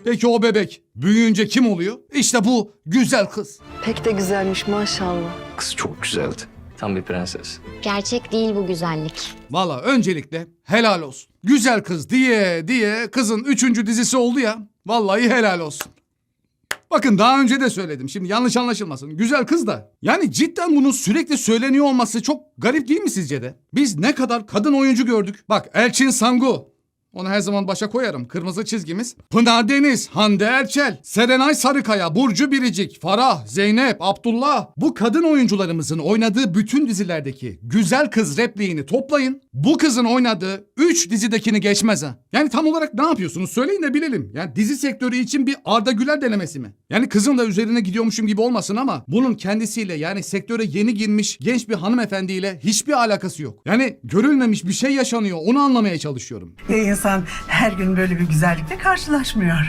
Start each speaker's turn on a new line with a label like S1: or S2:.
S1: Peki o bebek büyüyünce kim oluyor? İşte bu güzel kız.
S2: Pek de güzelmiş maşallah.
S3: Kız çok güzeldi. Tam bir prenses.
S4: Gerçek değil bu güzellik.
S1: Valla öncelikle helal olsun. Güzel kız diye kızın 3. dizisi oldu ya. Vallahi helal olsun. Bakın daha önce de söyledim. Şimdi yanlış anlaşılmasın. Güzel kız da. Yani cidden bunun sürekli söyleniyor olması çok garip değil mi sizce de? Biz ne kadar kadın oyuncu gördük. Bak Elçin Sangu. Onu her zaman başa koyarım. Kırmızı çizgimiz. Pınar Deniz, Hande Erçel, Serenay Sarıkaya, Burcu Biricik, Farah, Zeynep, Abdullah. Bu kadın oyuncularımızın oynadığı bütün dizilerdeki güzel kız repliğini toplayın. Bu kızın oynadığı 3 dizidekini geçmez ha. Yani tam olarak ne yapıyorsunuz? Söyleyin de bilelim. Yani dizi sektörü için bir Arda Güler denemesi mi? Yani kızın da üzerine gidiyormuşum gibi olmasın ama bunun kendisiyle yani sektöre yeni girmiş genç bir hanımefendiyle hiçbir alakası yok. Yani görülmemiş bir şey yaşanıyor. Onu anlamaya çalışıyorum.
S5: İnsan her gün böyle bir güzellikle karşılaşmıyor.